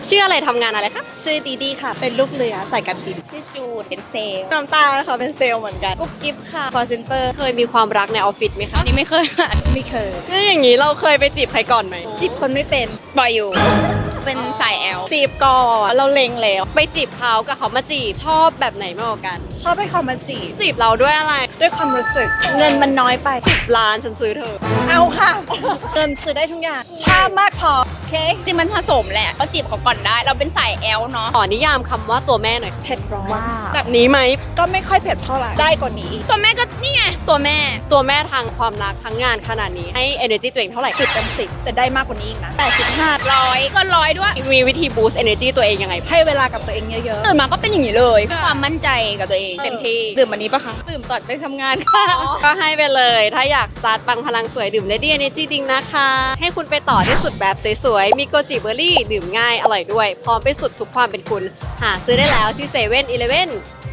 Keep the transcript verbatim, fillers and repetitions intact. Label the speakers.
Speaker 1: ชื่ออะไรทำงานอะไรคะ
Speaker 2: ชื่อดีดีค่ะ เป็นลูกเรือสายการบิน
Speaker 3: ชื่อจูดเป็นเซลล์
Speaker 2: น้ำตาลค่ะเป็นเซลล์เหมือนกันกุ๊บกิ๊บค่ะคอเซ็นเตอร์
Speaker 1: เคยมีความรักในออฟฟิศไหมคะ
Speaker 3: นี่ไม่เคยค่ะ
Speaker 2: ไม่เคย
Speaker 1: ถ้าอย่างนี้เราเคยไปจีบใครก่อนไหม
Speaker 2: จีบคนไม่เป็น
Speaker 3: บ่อยอยู่ เป็นสายแอล
Speaker 2: จีบก่อนเราเล็งแล้ว
Speaker 1: ไปจีบเขากับเขามาจีบชอบแบบไหนมากกว่ากัน
Speaker 2: ชอบให้เขามาจีบ
Speaker 1: จีบเราด้วยอะไร
Speaker 2: ด้วยความรู้สึก เงินมันน้อยไป
Speaker 1: ร้านฉันซื้อเธอ
Speaker 2: เอาค่ะ เงินซื้อได้ทุกอย่างชามมากพอโอเค
Speaker 3: จริงมันผสมแหละก็จีบเขาก่อนได้ เราเป็นสายแอลเนาะ
Speaker 1: ขอนิยามคำว่าตัวแม่หน่อย
Speaker 2: เผ็ดร้อน
Speaker 1: แบบนี้ไหม
Speaker 2: ก็ไม่ค่อยเผ็ดเท่าไหร่ได้กว่านี้
Speaker 3: ตัวแม่ก็นี่ไงตัวแม่
Speaker 1: ตัวแม่ทางความรักทั้งงานขนาดนี้ให้ energy ตัวเองเท่าไหร่
Speaker 2: สิบเต็มสิบแต่ได้มากกว่านี้อีกนะแปดสิบห้า
Speaker 3: ร้อยก็ร้อยด้วย
Speaker 1: มีวิธี boost energy ตัวเองยังไง
Speaker 2: ให้เวลากับตัวเองเยอะ
Speaker 3: ตื่นมาก็เป็นอย่างนี้เลย ความมั่นใจกับตัวเองเต็มที่
Speaker 2: ๆดื่มวันนี้ปะคะดื่มก่อนไปทำงานค่ะ
Speaker 1: ก็ให้ไปเลย ถ้าอยากสตาร์ทปังพลังสวยดื่ม Lady Energy ดิงนะคะ ให้คุณไปต่อที่สุดแบบสวยๆ มีโกจิเบอร์รี่ ดื่มง่ายอร่อยด้วย พร้อมไปสุดทุกความเป็นคุณ หาซื้อได้แล้วที่เซเว่นอีเลฟเว่น